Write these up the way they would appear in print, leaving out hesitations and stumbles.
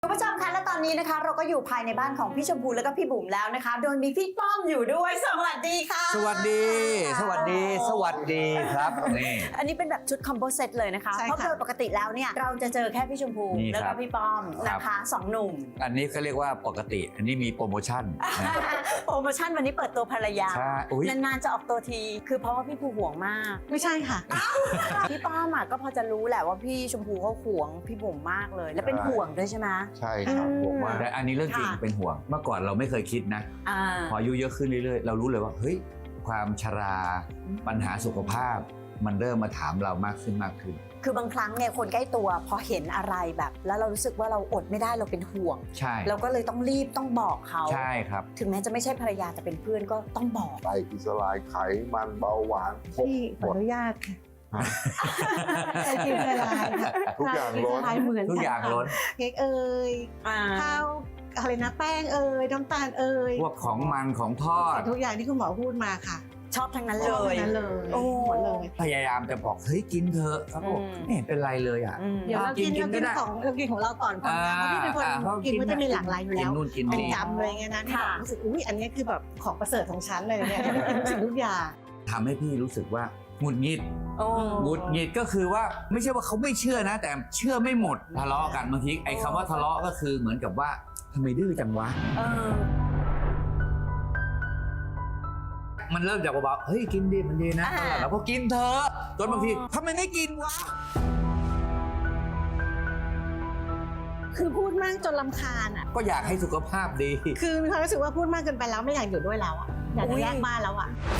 คุณผู้ชมคะและตอนนี้นะคะเราก็อยู่ภายในบ้านของพี่ชมพูและก็พี่บุ๋มแล้วนะคะโดยมีพี่ป้อมอยู่ด้วยสวัสดีค่ะสวัสดีสวัสดีสวัสดีครับนี่อันนี้เป็นแบบชุดคอมโบเซตเลยนะคะเพราะโดยปกติแล้วเนี่ยเราจะเจอแค่พี่ชมพูแล้วก็พี่ป้อมนะคะสองหนุ่มอันนี้เขาเรียกว่าปกติอันนี้มีโปรโมชั่นโปรโมชั่นวันนี้เปิดตัวภรรยานานๆจะออกตัวทีคือเพราะว่าพี่ภูห่วงมากไม่ใช่ค่ะพี่ป้อมก็พอจะรู้แหละว่าพี่ชมพูเขาห่วงพี่บุ๋มมากเลยและเป็นห่วงด้วยใช่ไหมใช่ครับห่วงมากแต่อันนี้เรื่องจริงเป็นห่วงเมื่อก่อนเราไม่เคยคิดนะพออายุเยอะขึ้นเรื่อยๆเรารู้เลยว่าเฮ้ยความชราปัญหาสุขภาพมันเริ่มมาถามเรามากขึ้นคือบางครั้งเนี่ยคนใกล้ตัวพอเห็นอะไรแบบแล้วเรารู้สึกว่าเราอดไม่ได้เราเป็นห่วงใช่เราก็เลยต้องรีบต้องบอกเขาใช่ครับถึงแม้จะไม่ใช่ภรรยาแต่เป็นเพื่อนก็ต้องบอกไตอิสลายไขมันเบาหวานพี่ขออนุญาตค่ะไตอิสลายทุกอย่างล้นทุกอย่างล้นเค้กเอ่ยข้าวอะไรนะแป้งเอ่ยน้ำตาลเอ่ยพวกของมันของทอดทุกอย่างที่คุณหมอพูดมาค่ะชอบทั้งนั้นเลยโอ้หมดเลยพยายามจะบอกเฮ้ยกินเถอะครับผมไม่เห็นเป็นไรเลยอ่ะเดี๋ยวเรากินของเราก่อนเพราะพี่เป็นคนกินมันจะมีหลากหลายอยู่แล้วเป็นจำเลยไงนะที่รู้สึกอุ้ยอันนี้คือแบบของประเสริฐของฉันเลยเนี่ยที่กินทุกสิ่งทุกอย่างทำให้พี่รู้สึกว่าหงุดหงิดก็คือว่าไม่ใช่ว่าเขาไม่เชื่อนะแต่เชื่อไม่หมดทะเลาะกันบางทีไอ้คำว่าทะเลาะก็คือเหมือนกับว่าทำไมดื้อจังวะมันเริ่มจากเบาๆเฮ้ยกินดีมันดีนะเราก็กินเถอะจนบางทีทำไมไม่กินวะคือพูดมากจนรำคาญก็อยากให้สุขภาพดีคือมีความรู้สึกว่าพูดมากเกินไปแล้วไม่อยากอยู่ด้วยแล้วอยากจะแยกบ้านแล้ว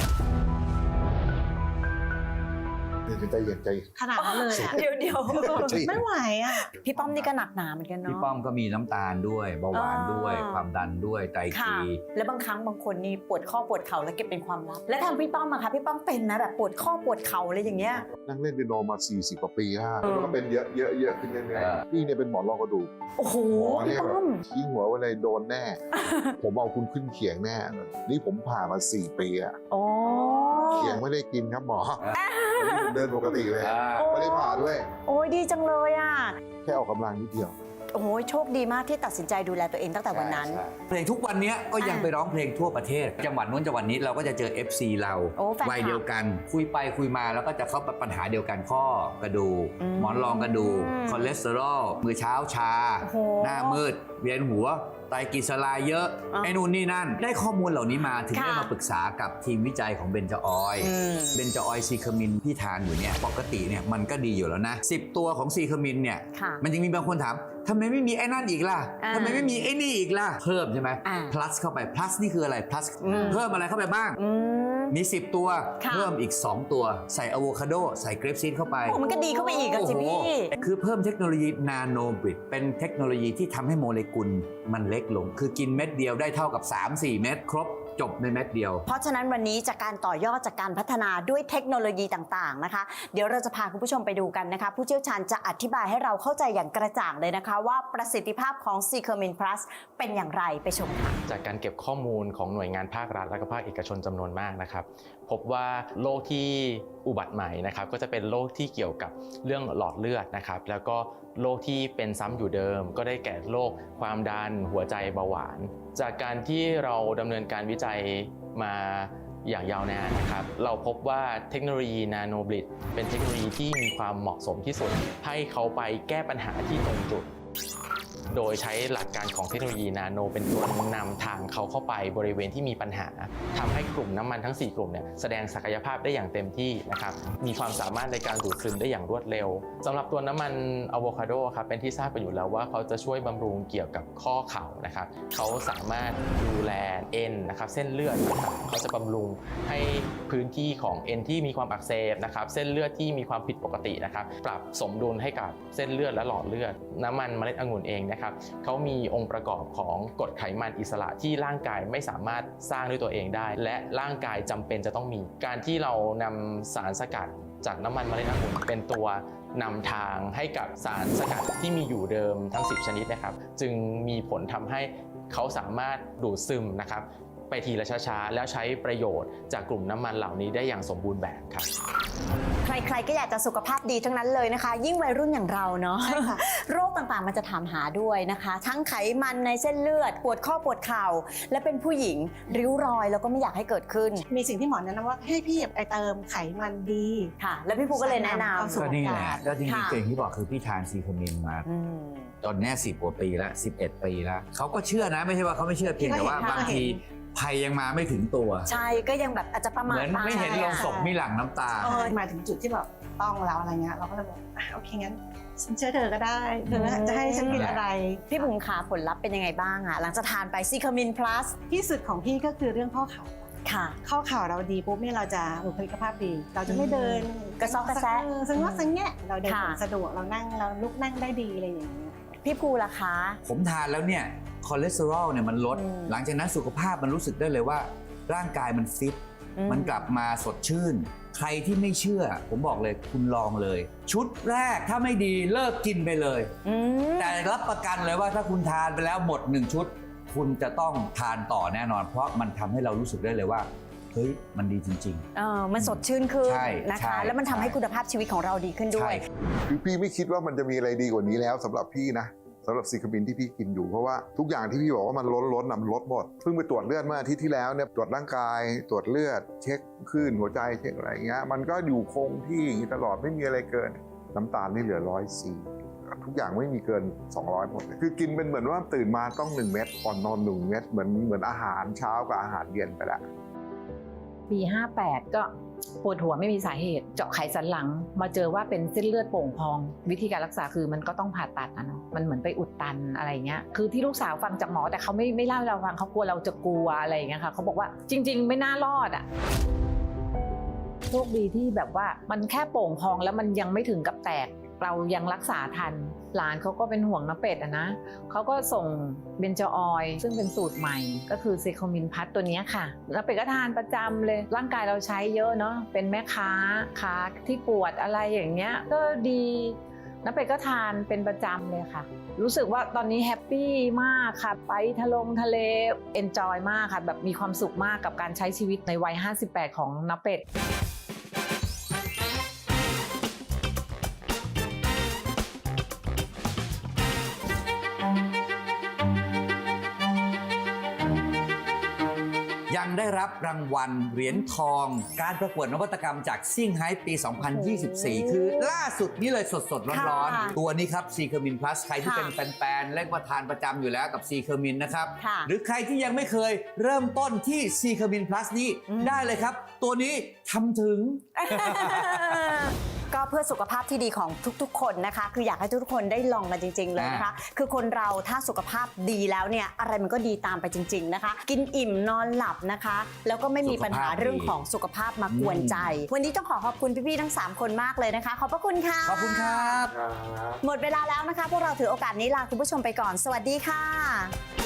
ใจขนาดนั้นเลยเดี๋ยวไม่ไหวพี่ป้อมนี่ก็หนักหนาเหมือนกันเนาะพี่ป้อมก็มีน้ำตาลด้วยเบาหวานด้วยความดันด้วยไตกีและบางครั้งบางคนนี่ปวดข้อปวดเข่าแล้วเก็บเป็นความลับและทางพี่ป้อมอะค่ะพี่ป้อมเป็นนะแบบปวดข้อปวดเข่าอะไรอย่างเงี้ยนั่งเล่นเปียโนมา40 กว่าปีแล้วก็เป็นเยอะขึ้นเรื่อยๆพี่เนี่ยเป็นหมอนรองกระดูกโอ้โหพี่ป้อมทิ้งหัวไว้เลยโดนแน่ผมเอาคุณขึ้นเขียงแน่นี่ผมผ่ามา4 ปีเขียงไม่ได้กินครับหมอเดินปกติเลยไม่ได้ผ่าด้วยโอ้ยดีจังเลยแค่ออกกำลังนิดเดียวโอ้ยโชคดีมากที่ตัดสินใจดูแลตัวเองตั้งแต่วันนั้นเพลงทุกวันนี้ก็ยังไปร้องเพลงทั่วประเทศจังหวัดนู้นจังหวัดนี้เราก็จะเจอ FC เราวัยเดียวกันคุยไปคุยมาแล้วก็จะเข้าปัญหาเดียวกันข้อกระดูกหมอนรองกระดูกคอเลสเตอรอลมือเช้าชาหน้ามืดเวียนหัวไตกิสลายเยอะไอ้นู่นนี่นั่นได้ข้อมูลเหล่านี้มาถึงได้มาปรึกษากับทีมวิจัยของเบนจออยเบนจออยซีเคมินที่ทานอยู่เนี่ยปกติเนี่ยมันก็ดีอยู่แล้วนะ10 ตัวของซีเคมินเนี่ยมันยังมีบางคนถามทำไมไม่มีไอ้นั่นอีกล่ะทำไมไม่มีไอ้นี่อีกล่ะเพิ่มใช่ไหม plus เข้าไป plus นี่คืออะไร plus เพิ่มอะไรเข้าไปบ้างมี10 ตัวเพิ่มอีก2 ตัวใส่อะโวคาโดใส่เกรปซีดเข้าไปมันก็ดีเข้าไปอีกอ่ะจิพี่คือเพิ่มเทคโนโลยีนาโนบริดเป็นเทคโนโลยีที่ทำให้โมเลกุลมันเล็กลงคือกินเม็ดเดียวได้เท่ากับ 3-4 เม็ดครบจบในเม็ดเดียวเพราะฉะนั้นวันนี้จากการต่อยอดจากการพัฒนาด้วยเทคโนโลยีต่างๆนะคะเดี๋ยวเราจะพาคุณผู้ชมไปดูกันนะคะผู้เชี่ยวชาญจะอธิบายให้เราเข้าใจอย่างกระจ่างเลยนะคะว่าประสิทธิภาพของซีเคอร์มินพลัสเป็นอย่างไรไปชมค่ะจากการเก็บข้อมูลของหน่วยงานภาครัฐและก็ภาคเอกชนจำนวนมากนะครับพบว่าโรคที่อุบัติใหม่นะครับก็จะเป็นโรคที่เกี่ยวกับเรื่องหลอดเลือดนะครับแล้วก็โรคที่เป็นซ้ำอยู่เดิมก็ได้แก่โรคความดันหัวใจเบาหวานจากการที่เราดำเนินการวิจัยมาอย่างยาวนานนะครับเราพบว่าเทคโนโลยีนาโนบริดเป็นเทคโนโลยีที่มีความเหมาะสมที่สุดให้เขาไปแก้ปัญหาที่ตรงจุดโดยใช้หลักการของเทคโนโลยีนาโนเป็นตัวนำทางเขาเข้าไปบริเวณที่มีปัญหาทำให้กลุ่มน้ำมันทั้ง4 กลุ่มเนี่ยแสดงศักยภาพได้อย่างเต็มที่นะครับมีความสามารถในการดูดซึมได้อย่างรวดเร็วสำหรับตัวน้ำมันอะโวคาโดครับเป็นที่ทราบกันอยู่แล้วว่าเขาจะช่วยบำรุงเกี่ยวกับข้อเข่านะครับเขาสามารถดูแลเอ็นนะครับเส้นเลือดนะครับเขาจะบำรุงให้พื้นที่ของเอ็นที่มีความอักเสบนะครับเส้นเลือดที่มีความผิดปกตินะครับปรับสมดุลให้กับเส้นเลือดและหลอดเลือดน้ำมันเมล็ดองุ่นเองเขามีองค์ประกอบของกรดไขมันอิสระที่ร่างกายไม่สามารถสร้างด้วยตัวเองได้และร่างกายจำเป็นจะต้องมีการที่เรานำสารสกัดจากน้ำมันเมล็ดองุ่นเป็นตัวนำทางให้กับสารสกัดที่มีอยู่เดิมทั้ง10 ชนิดนะครับจึงมีผลทำให้เขาสามารถดูดซึมนะครับไปทีละช้าๆแล้วใช้ประโยชน์จากกลุ่มน้ำมันเหล่านี้ได้อย่างสมบูรณ์แบบครับใครๆก็อยากจะสุขภาพดีทั้งนั้นเลยนะคะ ยิ่งวัยรุ่นอย่างเราเนาะใช่ค่ะโรคต่างๆมันจะถามหาด้วยนะคะ ทั้งไขมันในเส้นเลือดปวดข้อปวดเข่าและเป็นผู้หญิงริ้วรอยแล้วก็ไม่อยากให้เกิดขึ้นมีสิ่งที่หมอแนะนำว่าให้พี่ไปเติมไขมันดีค่ะ แล้วพี่ภูก็เลยแนะนเข้าสู่ก็นี่แหละแล้วจริงค่ะๆเก่งที่บอกคือพี่ทานซีโคมินมาำตอนนี้10 กว่าปีแล้ว11 ปีแล้วเขาก็เชื่อนะไม่ใช่ว่าเขาไม่เชื่อเพียงแต่ว่าค่ะบางทีภัยยังมาไม่ถึงตัวใช่ก็ยังแบบอาจจะประเหมาทมือนไม่เห็นลงศพมีหลั่งน้ำตามาถึงจุดที่แบบต้องแล้วอะไรเงี้ยเราก็เลยบอกโอเคงั้นฉันเชื่อเธอก็ได้เธอจะให้ฉันกินอะไรพี่บุ๋มขาผลลัพธ์เป็นยังไงบ้างอะหลังจากทานไปซีคามินพลัสที่สุดของพี่ก็คือเรื่องข้อเข่าค่ะข้อเข่าเราดีปุ๊บเนี่ยเราจะบุคลิกภาพดี เราจะไม่เดินกระซอกกระแซะสังว่าสังแงะเราเดินค่ะสะดวกเรานั่งเราลุกนั่งได้ดีอะไรอย่างเงี้ยพี่ภูล่ะคะผมทานแล้วเนี่ยคอเลสเตอรอลเนี่ยมันลดอืมหลังจากนั้นสุขภาพมันรู้สึกได้เลยว่า ร่างกายมันฟิต มันกลับมาสดชื่น ใครที่ไม่เชื่อ ผมบอกเลยคุณลองเลย ชุดแรกถ้าไม่ดีเลิกกินไปเลยอืมแต่รับประกันเลยว่าถ้าคุณทานไปแล้วหมด1 ชุด คุณจะต้องทานต่อแน่นอน เพราะมันทำให้เรารู้สึกได้เลยว่าเฮ้ยมันดีจริงมันสดชื่นขึ้นใช่นะใช่คะ แล้วมันทำให้คุณภาพชีวิตของเราดีขึ้นๆด้วยคือพี่ไม่คิดว่ามันจะมีอะไรดีกว่านี้แล้วสำหรับพี่นะสำหรับซีคามินที่พี่กินอยู่เพราะว่าทุกอย่างที่พี่บอกว่ามันล้นมันลดหมดเพิ่งไปตรวจเลือดเมื่ออาทิตย์ที่แล้วเนี่ยตรวจร่างกายตรวจเลือดเช็คคลื่นหัวใจเช็คอะไรอย่างเงี้ยมันก็อยู่คงที่อย่างนี้ตลอดไม่มีอะไรเกิน น้ำตาลนี่เหลือ104ทุกอย่างไม่มีเกิน200หมดเลยคือกินเป็นเหมือนว่าตื่นมาต้อง1 เม็ดก่อนนอน1 เม็ดเหมือนอาหารเช้ากับอาหารเย็นไปแล้วปี 58 ก็ปวดหัวไม่มีสาเหตุ เจาะไขสันหลังมาเจอว่าเป็นเส้นเลือดโป่งพอง วิธีการรักษาคือมันก็ต้องผ่าตัดนะเนาะมันเหมือนไปอุดตันอะไรเงี้ยคือที่ลูกสาวฟังจากหมอแต่เขาไม่เล่าให้เราฟังเขากลัวเราจะกลัวอะไรอย่างเงี้ยค่ะเขาบอกว่าจริง ๆ ไม่น่ารอดอ่ะโชคดีที่แบบว่ามันแค่โป่งพองแล้วมันยังไม่ถึงกับแตกเรายังรักษาทันหลานเขาก็เป็นห่วงน้าเป็ดอะนะเขาก็ส่งเบนจออยล์ซึ่งเป็นสูตรใหม่ก็คือซีโคมินพัทตัวนี้ค่ะน้าเป็ดก็ทานประจำเลยร่างกายเราใช้เยอะเนาะเป็นแม่ค้าขาที่ปวดอะไรอย่างเงี้ยก็ดีน้าเป็ดก็ทานเป็นประจำเลยค่ะรู้สึกว่าตอนนี้แฮปปี้มากค่ะไปทะเลเอนจอยมากค่ะแบบมีความสุขมากกับการใช้ชีวิตในวัย 58 ของน้าเป็ดยังได้รับรางวัลเหรียญทอง การประกวดนวัตกรรมจากซิ่งไฮปี 2024 คือล่าสุดนี้เลยสดๆร้อนค่ะๆตัวนี้ครับซีเคอร์มินพลัสใครที่ค่ะเป็นแฟนๆเล่นมาทานประจำอยู่แล้วกับซีเคอร์มินนะครับค่ะหรือใครที่ยังไม่เคยเริ่มต้นที่ซีเคอร์มินพลัสนี้ได้เลยครับ ตัวนี้ทำถึงก็เพื่อสุขภาพที่ดีของทุกๆ คนนะคะ คืออยากให้ทุกๆคนได้ลองกันจริงๆเลยนะคะ คือคนเราถ้าสุขภาพดีแล้วเนี่ยอะไรมันก็ดีตามไปจริง ๆนะคะ กินอิ่มนอนหลับนะคะ แล้วก็ไม่มีปัญหาเรื่องของสุขภาพมากวนใจ วันนี้ต้องขอบคุณพี่ๆทั้ง 3 คนมากเลยนะคะ ขอบพระคุณค่ะขอบคุณครับหมดเวลาแล้วนะคะ พวกเราถือโอกาสนี้ลาคุณผู้ชมไปก่อน สวัสดีค่ะ